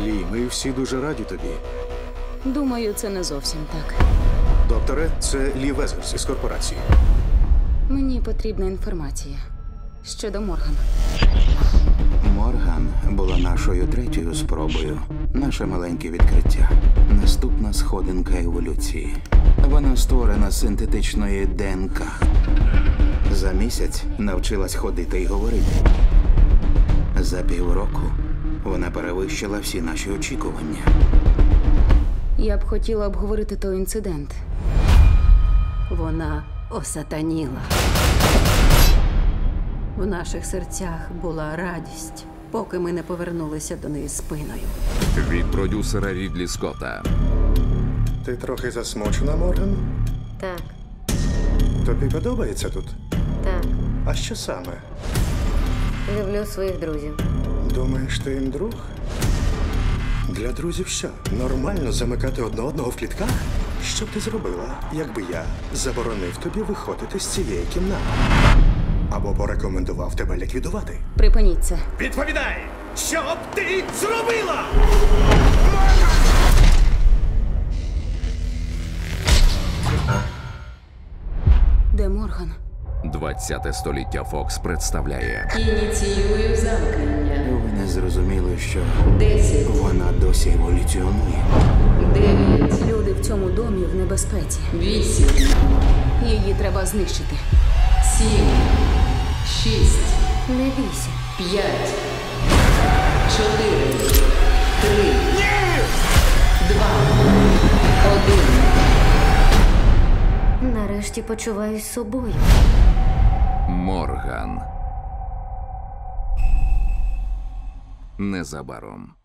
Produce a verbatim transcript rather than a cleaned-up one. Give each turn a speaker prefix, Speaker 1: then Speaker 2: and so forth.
Speaker 1: Лі, ми всі дуже раді тобі.
Speaker 2: Думаю, це не зовсім так.
Speaker 1: Докторе, це Лі Везерс із корпорації.
Speaker 2: Мені потрібна інформація щодо Моргана.
Speaker 3: Морган була нашою третьою спробою. Наше маленьке відкриття. Наступна сходинка еволюції. Вона створена з синтетичної ДНК. За місяць навчилась ходити і говорити. За півроку вона перевищила всі наші очікування.
Speaker 2: Я б хотіла обговорити той інцидент.
Speaker 4: Вона осатаніла. В наших серцях була радість, поки ми не повернулися до неї спиною.
Speaker 5: Від продюсера Рідлі Скотта.
Speaker 6: Ти трохи засмучена, Морган?
Speaker 7: Так,
Speaker 6: Тобі подобається тут?
Speaker 7: так.
Speaker 6: А що саме?
Speaker 7: Люблю своїх друзів.
Speaker 6: Думаєш, ти їм друг? Для друзів що? Нормально замикати одне одного в клітках? Що б ти зробила, якби я заборонив тобі виходити з цієї кімнати? Або порекомендував тебе ліквідувати?
Speaker 2: Припиніть це.
Speaker 6: Відповідай! Що б ти зробила?
Speaker 2: Де Морган?
Speaker 5: двадцяте століття Фокс представляє
Speaker 4: Ініціюю замкнення.
Speaker 3: Ви не зрозуміли, що
Speaker 4: Десять,
Speaker 3: вона досі еволюціонує.
Speaker 4: дев'ять,
Speaker 2: Люди в цьому домі в небезпеці.
Speaker 4: вісім,
Speaker 2: Її треба знищити.
Speaker 4: сім, шість,
Speaker 7: Не бійся.
Speaker 4: п'ять, чотири, три, два, один.
Speaker 7: Нарешті почуваюсь собою.
Speaker 5: Морган. Незабаром.